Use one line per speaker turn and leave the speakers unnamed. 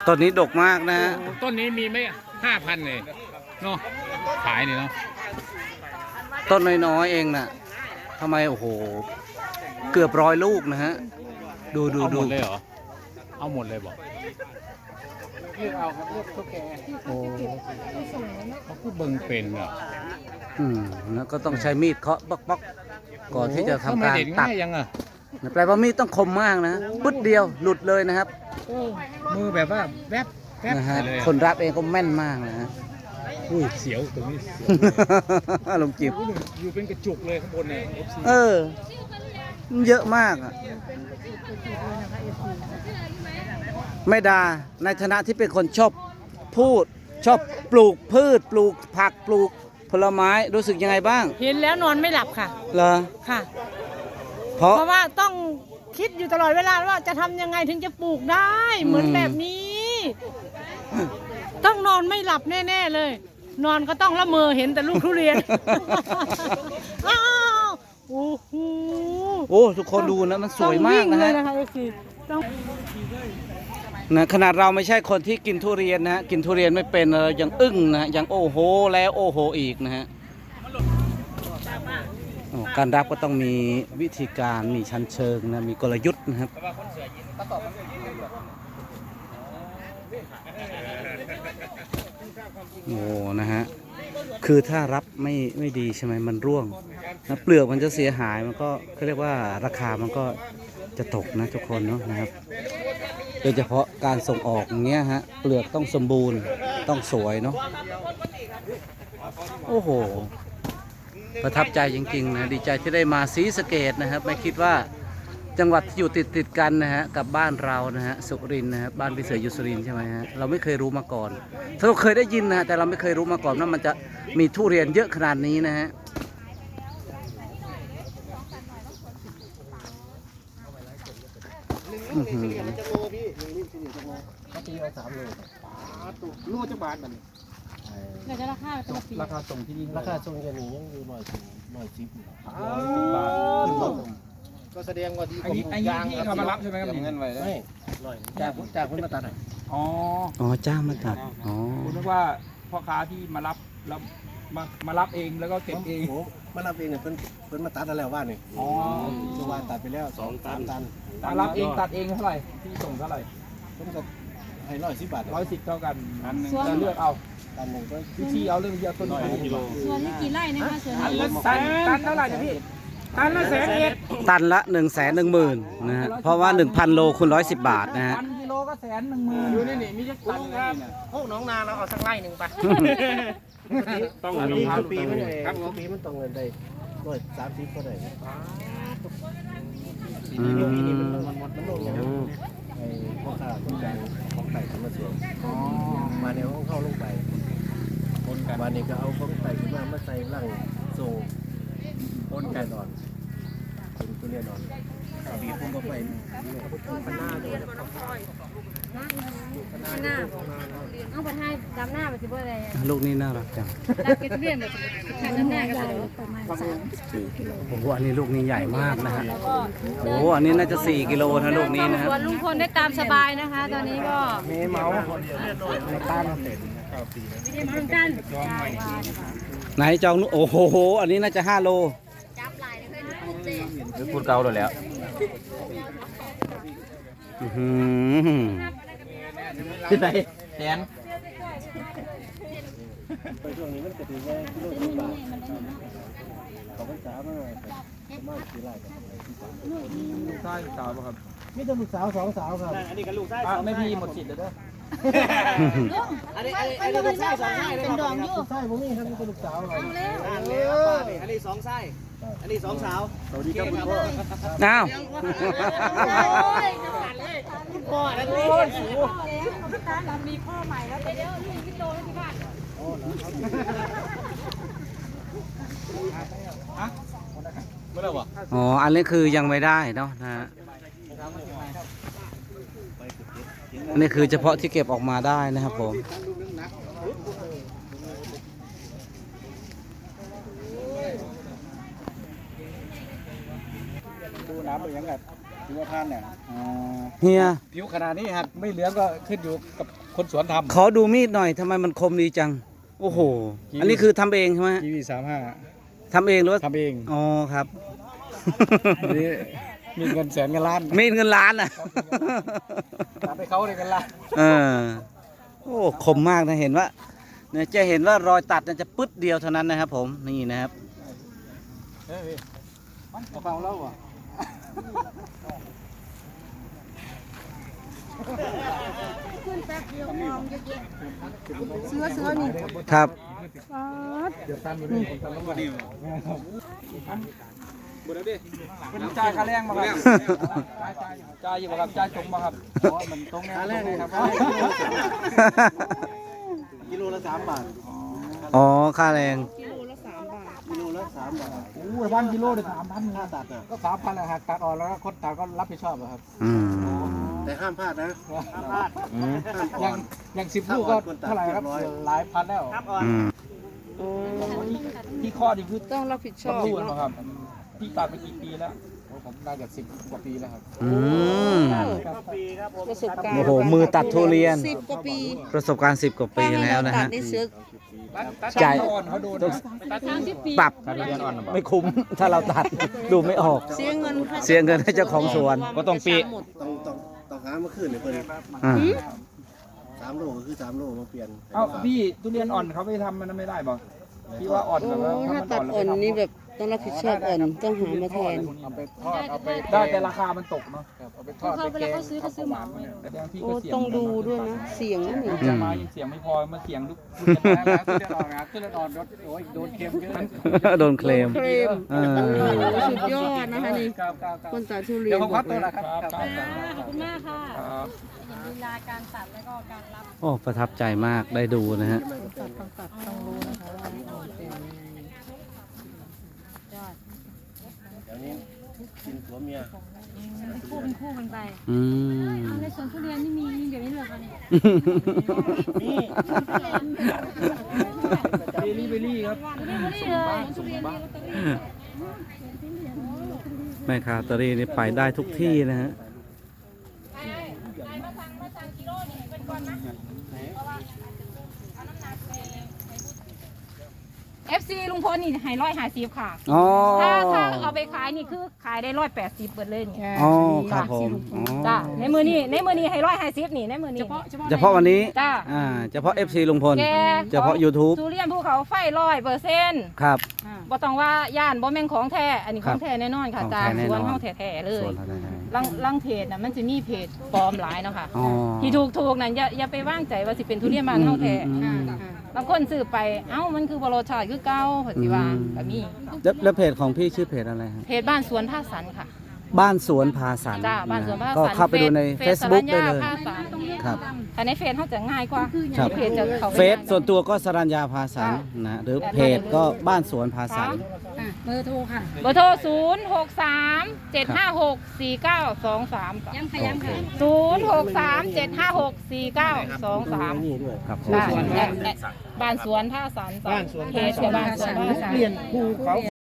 ต้นนี้ดกมากนะฮะ
ต้นนี้มีไม่5,000เลยเนาะขายเนี่ยเนาะ
ต้นน้อยๆเองน่ะทำไมโอ้โหเกือบ100 ลูกนะฮะดู
เอาห
ดู
มดเลยเหรอเอาหมดเลยบอกเลือกเอาครับเลือกตุ๊กแก
โอ้
เขาพูดเบิ่งเป็นเหรอ
แล้วก็ต้องใช้มีดเคาะป๊อกๆก่อนที่จะทำการ
เด็ด
ตัด
ง่ายยังอ่ะ
แปลว่ามีดต้องคมมากนะปึ๊ดเดียวหลุดเลยนะครับ
มือแบบว่าแวบแวบ
นะฮะ
เลย
คนรับเองก็แม่นมากนะฮะ
อุ้ยเสียวตรงนี้เสียว
ลงจิบ
อยู่เป็นกระจุกเลยข้างบนเนี่ย FC
มันเยอะมากอะแม่ดาในฐานะที่เป็นคนชอบพูดชอบปลูกพืชปลูกผักปลูกผลไม้รู้สึกยังไงบ้าง
เห็นแล้วนอนไม่หลับค่ะ
เหรอ
ค่ะ
เพราะ
เพราะว่าต้องคิดอยู่ตลอดเวลาว่าจะทำยังไงถึงจะปลูกได้เหมือนแบบนี้ ต้องนอนไม่หลับแน่ๆเลย นอนก็ต้องละเมอเห็นแต่ลูกทุเรียน อ้าวโอ้โห
โอ้ทุกคนดูนะมันสวยมากนะ
ต้องวิ่งเล
ฮะ
ยนะคะเอฟซีต้อง
นะขนาดเราไม่ใช่คนที่กินทุเรียนนะฮะกินทุเรียนไม่เป็นเรายังอึ้งนะยังโอ้โหแล้วโอ้โหอีกนะฮะการรับก็ต้องมีวิธีการมีชั้นเชิงนะมีกลยุทธ์นะครับโอ้นะฮะคือถ้ารับไม่ดีใช่ไหมมันร่วงนะเปลือกมันจะเสียหายมันก็เขาเรียกว่าราคามันก็จะตกนะทุกคนเนาะนะครับโดยเฉพาะการส่งออกอย่างเงี้ยฮะเปลือกต้องสมบูรณ์ต้องสวยเนาะโอ้โหประทับใจจริงๆนะดีใจที่ได้มาศรีสะเกษนะครับไม่คิดว่าจังหวัดที่อยู่ติดกันนะฮะกับบ้านเรานะฮะสุรินทร์นะครับบ้านพี่เสืออยู่สุรินทร์ใช่ไหมฮะเราไม่เคยรู้มาก่อนเราเคยได้ยินนะฮะแต่เราไม่เคยรู้มาก่อนว่ามันจะมีทุเรียนเยอะขนาดนี้นะฮะอื้อหือ
รู้จักบาทมัน
เดี๋ยวจะราคาตัวปี
ราคาส่งที่นี่ราคาส่งจะมียังอยู่110
บาท
ก็แสดงว่าดี
อันนี้ที่เขามารับใช่ไหมครับ
เงินไว้ไม่ร้อยจากคนมาตัดหน่อย
อ๋อ
อ๋อจ้างมาตัดอ๋อ
คุณนึกว่าพ่อค้าที่มารับแล้วมารับเองแล้วก็เก็บเอง
มารับเองเนี่ยเพิ่นมาตัดแล้วว่านี่
อ๋อ
ตัววานตัดไปแล้ว2-3 ตัน
มารับเองตัดเองเท่าไหร่ที่ส่งเท่าไหร่
เพิ่นก็ให้110 บาท
110เท่ากันจะเลือกเอา
ตันหนึ่งก็
วิธีเอาเรื่องเดียวต้นกิโล
ส่วนนี้กี่ไร่นะคะส่วน
ตัน
นี้
ละตันเท่าไหร่นะพี่ตันละ110,000
ตันละ 110,000นะฮะเพราะว่า 1,000 โลคูณ110 บาทนะฮะ
ตันกิโลก็110,000อยู่นี่มีจักตันครับ
พวกน้องนาเราเอาสักไร่หนึ่งไปต้องมีปีมันครับปีมันต้องเงินได้130ก็ได้ปีนี้มันลงอย่างนั้นไอ้พ่อค้าคนกลางของไต่ขึ้นมาสวนมาในห้องเข้าลงไปวันนี้ก็เอาของไต่ขึ้นมาใส่ร่างส่งต้นไก่นอนเป็นตัวเรียนนอนบีบพุ่งเข้าไปพันหน้าด้วย
หน้าเอาไปให้ดำหน้าไปสิบ่อะไร
ลูกนี้น่ารักจัง
รักเก็ตเรียนแบบดำหน้ากันเลยประมาณ3-4 กิโล
โอ้โหอันนี้ลูกนี้ใหญ่มากนะฮะโอ้โหอันนี้น่าจะ4 กิโลนะลูกนี้นะครับ
ส่วนลุงพลได้ตามสบายนะคะ ตอนนี้ก็
มีเมาในตาม
เหมือนกัน
ไหนจองโอ้โหอันนี้น่าจะ5 โล
หรือพูดเก่าแล้ว
อื้อหือ
ที่ไหนแสน
ไปช่วงนี้มันจะถึงแค่กิโล10 บาทเขาไปสาวมาประมาณกี่ไร่กัน
ลูกชายสาวป่ะครับ
มีแต่ลูกสาว2 สาวครับ
ไม่พี่หมดสิทธิ์เลยเด้อ
อันนี้ลูกชาย2 ไร่เป็นดองอยู่
ลูกชายผมนี่ครับมีแต่ลูกสาวครับ
อันนี้2 ไส้ อันนี้2 สาว
สวัสดีครับคุณพ่อ
อ้าว
พ่อแล้วโอ้ยมีพ่อใหม่แล้วเดี๋ยวนี่พี่โตแล้วที่บ้าน
ไม่ได้วะ
อ๋ออันนี้คือยังไม่ได้เนาะนะฮะอันนี้คือเฉพาะที่เก็บออกมาได้นะครับผม
ดูน้ำเป็นยังไงดูว่าท่านเนี่ย
เฮีย
ผิวขนาดนี้หากไม่เหลืองก็ขึ้นอยู่กับคนสวนทำ
ขอดูมีดหน่อยทำไมมันคมดีจัง โอ้โห อันนี้คือทำเองใช่ไหม
กีวี35
ทำเองหรือว่า
ทำเอง
อ๋อครับ
นี่มีเงินแสนเงินล้าน
มีดเงินล้านอ่ะ
ตัดให้เขาเลยเงินล้าน
เออโอ้คมมากนะเห็นว่าเนี่ยจะเห็นว่ารอยตัดเนี่ยจะปึ๊ดเดียวเท่านั้นนะครับผมนี่นะครับ
เฮ้ยมันกระเป๋าแล้วอ่ะ
ครับ
เดี๋ยวตันอยู่นี่ผมตันลงมาดิบุญดิเป็นจ่ายค่าแรงมาครับจ่ายอยู่ครับจ่ายตรงมาครับมันตรงค่าแรงเลยครับ
กิโลละ3 บาท
อ๋อค่าแรง
กิโลละ3 บาท
โอ้ยวันกิโลเดี๋ยว3,000
ค่าตัดอ่ะ
ก็3,000แหละครับตัดออกแล้วคนตัดก็รับผิดชอบครับ
อืม
แต่ห้ามพลาดนะห้ามพลาด
อืม
อย่าง10 ลูกก็เท่าไหร่ครับหลายพันแล้ว
อืม
ที่ข้อดีคือ
ต้องรับผิดชอบ
รู้นะครับพี่ตัดไปกี่ปีแล้วผมน่าจะ10 กว่าปีแล้วครับ
อืม
ประสบการณ์
โอ้โหมือตัดทุเรียน
10 กว่าปี
ประสบการณ์10 กว่าปีแล้วนะ
ตัด
ฮะ
ในเสือ
จ่าย
อ่อนเขาโดน
ปรับไม่คุ้มถ้าเราตัดดูไม่ออก
เสียเงินค่า
เสียเงินให้เจ้าของสวน
ก็ต้องปี
ต้องหามาขึ้นเลยเพื่อน
อ่า
3 โลก็คือ3 โลมาเปลี่ยน
เอ้าพี่ทุเรียนอ่อนเขาไม่ทำมันไม่ได้บ่พี่ว่าอ่อน
โอ้
แบบว่า
ถ้าตัดอ่อนนี่แบบต้องรับผิดชอบอ่อนต้องหามาแทน
เอาไปทอดเอาไปได้แต่ราคามันตกเนาะเอาไปทอดไปแกงเขาซื้อหมาแต่บางที
โอ้
ก็เสี่ยง
ต้องดูด้วยนะ เสียงนั่นนี่
จะมายังเสียงไม่พอมาเสียงทุเรียนแล้วทุเรียนอ่อนนะทุเรียนอ่อนโอ้ยโดนเค็มเยอะ
โดนเคลม
เคลม
เออ
โอ้โหสุดยอดนะคะนี่
ครับ
คนตัดทุเรีย
เดี๋ย
น
วผม
บ
พั
อก
กตัว
เลย
ละครับ
ขอบคุณมากค่ะ
ครับ
ลีลาการตัดแล้วก็การรับ
โอ้ประทับใจมากได้ดูนะฮะ
เดี๋ยวนี้กินผัวเมีย
เป็นคู่กันไป
อืม
ในสวนทุเรียนนี่มีแบบนี้เลยค่ะเนี่ย
เบลลี่ครับ
แม่ค้าลอตเตอรี่นี่ไปได้ทุกที่นะฮะ
FC ลุงพลนี่ให้150ค่ะ
อ๋อ
ถ้าเอาไปขายนี่คือขายได้180เบิดเลยนี่
อ๋อครับผมอ๋อ
จ้าในมือนี้ให้150นี่ในมือนี้
เฉพาะวันนี้
จ้า
เฉพาะ FC ลุงพล
แก
เฉพาะ YouTube
ทุเรียนภูเขาไฟ100%
ครับ
บ่ต้องว่าย่านบ่แม่นของแท้อันนี้
ค
ข
รับ
องแท้แน่นอนค่ะ
ของ
จ้า
แท้แน่
ส
น
ว
อน
นเฮาแท้ๆเลย
ส่วนอะไรนะ
ลังเพจน่ะมันจะมีเพจปลอมหลายเนาะค่ะ
อ๋อ
ที่ถูกนั่นอย่าไปวางใจว่าสิเป็นทุเรียนบ้านเฮาแท้
อืม
บางคนซื้อไปเอ้ามันคือบ่รสชาติคือเก่าเพิ่นสิว่าก็มี
แล้วเพจของพี่ชื่อเพจอะไรฮะ
เพจบ้านสวนภาคสันค่ะ
บ้านสวนพาสัน
จ้าบ้านสวนภาค
ก็
สัน
เข้าไปดูใน Facebook ได้เลย
ภาคสัน
ครับ
แต่ในเฟซเขาจะง่ายกว่า
ครับ
เพจจะเขา
เฟซส่วนตัวก็สรัญญาพาสันนะหรือเพจก็บ้านสวนพาสัน
เบอร์โทร 063-756-4923ย้ำค่ะ063-756-4923
นี่ด้วย
ครับ
จ้ะบ้านสวนท่าสันจ้ะเพจจะบ้านสวนท่าสัน
เปลี่ยนภูเขา